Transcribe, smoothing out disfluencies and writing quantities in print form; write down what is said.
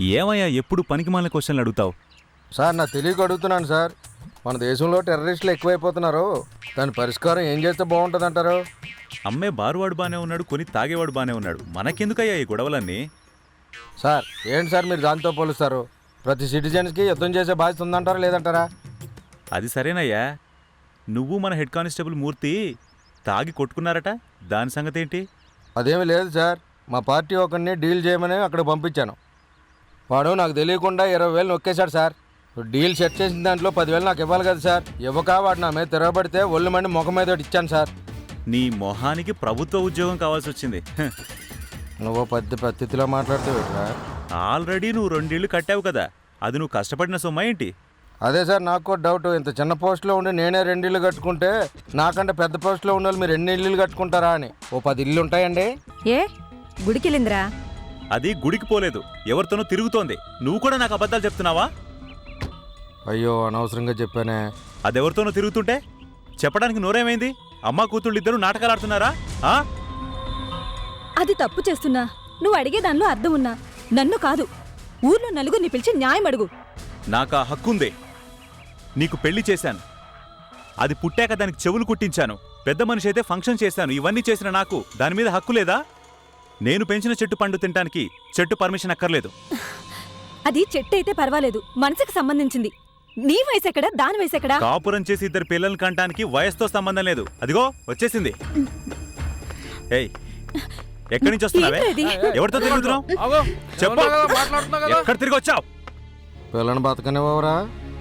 ఏమయ్యా ఎప్పుడు పనికిమాలిన క్వశ్చన్లు అడుగుతావు? సార్ నా తెలియక అడుగుతున్నాను సార్. మన దేశంలో టెర్రరిస్టులు ఎక్కువైపోతున్నారు, దాని పరిష్కారం ఏం చేస్తే బాగుంటుంది అంటారు? అమ్మే బారువాడు బానే ఉన్నాడు, కొని తాగేవాడు బానే ఉన్నాడు, మనకెందుకయ్యా ఈ గొడవలన్నీ? సార్ ఏంటి సార్ మీరు దాంతో పోలుస్తారు? ప్రతి సిటిజన్స్కి యుద్ధం చేసే బాధ్యత ఉందంటారా లేదంటారా? అది సరేనయ్యా, నువ్వు మన హెడ్ కానిస్టేబుల్ మూర్తి తాగి కొట్టుకున్నారట, దాని సంగతి ఏంటి? అదేమీ లేదు సార్, మా పార్టీ ఒకరిని డీల్ చేయమని అక్కడ పంపించాను. వాడు నాకు తెలియకుండా 20,000 నొక్కేశాడు సార్. డీల్ సెట్ చేసిన దాంట్లో 10,000 నాకు ఇవ్వాలి కదా సార్. ఇవ్వక వాడు నా మీద తిరగబడితే ఒళ్ళు మండి ముఖం మీద ఇచ్చాను సార్. నీ మొహానికి ప్రభుత్వ ఉద్యోగం కావాల్సి వచ్చింది. నువ్వు పెద్ద పద్ధతిలో మాట్లాడుతావు. ఆల్రెడీ నువ్వు 2 ఇళ్ళు కట్టావు కదా, అది నువ్వు కష్టపడిన సొమ్మ ఏంటి? అదే సార్ నాకు కూడా డౌట్. ఇంత చిన్న పోస్ట్లో ఉండి నేనే 2 ఇళ్ళు కట్టుకుంటే నాకంటే పెద్ద పోస్ట్లో ఉన్న వాళ్ళు మీరు ఎన్ని ఇళ్ళు కట్టుకుంటారా అని. ఓ 10 ఇళ్ళు ఉంటాయండి. ఏ గుడికెళ్ళిందిరా? అది గుడికి పోలేదు, ఎవరితోనో తిరుగుతోంది. నువ్వు కూడా నాకు అబద్ధాలు చెప్తున్నావా? అయ్యో అనవసరంగా చెప్పానే. అదెవరితోనో తిరుగుతుంటే చెప్పడానికి నోరేమైంది? అమ్మా కూతుళ్ళు ఇద్దరు నాటకాలు ఆడుతున్నారా? అది తప్పు చేస్తున్నా, నువ్వు అడిగే దానిలో అర్థం ఉన్నా. నన్ను కాదు, ఊర్లో నలుగురిని పిలిచి న్యాయం అడుగు. నాకు ఆ హక్కుంది. నీకు పెళ్లి చేశాను, అది పుట్టాక దానికి చెవులు కుట్టించాను, పెద్ద మనిషి అయితే ఫంక్షన్ చేశాను. ఇవన్నీ చేసిన నాకు దాని మీద హక్కు లేదా? నేను పెంచిన చెట్టు పండు తినడానికి చెట్టు పర్మిషన్ అక్కర్లేదు. అది చెట్టు అయితే పర్వాలేదు, మనసుకు సంబంధించింది. నీ వయసు ఎక్కడా, దాని వయసు ఎక్కడా? కాపురం చేసి 2 పిల్లల్ని కంటానికి వయసుతో సంబంధం లేదు. అదిగో వచ్చేసింది. ఏయ్, ఎక్కడి నుంచి వస్తున్నావే? ఎవరితో తిరుగుతున్నావు? చెప్పు, ఎక్కడ తిరిగి వచ్చావు? పిల్లని బతకనివ్వరా?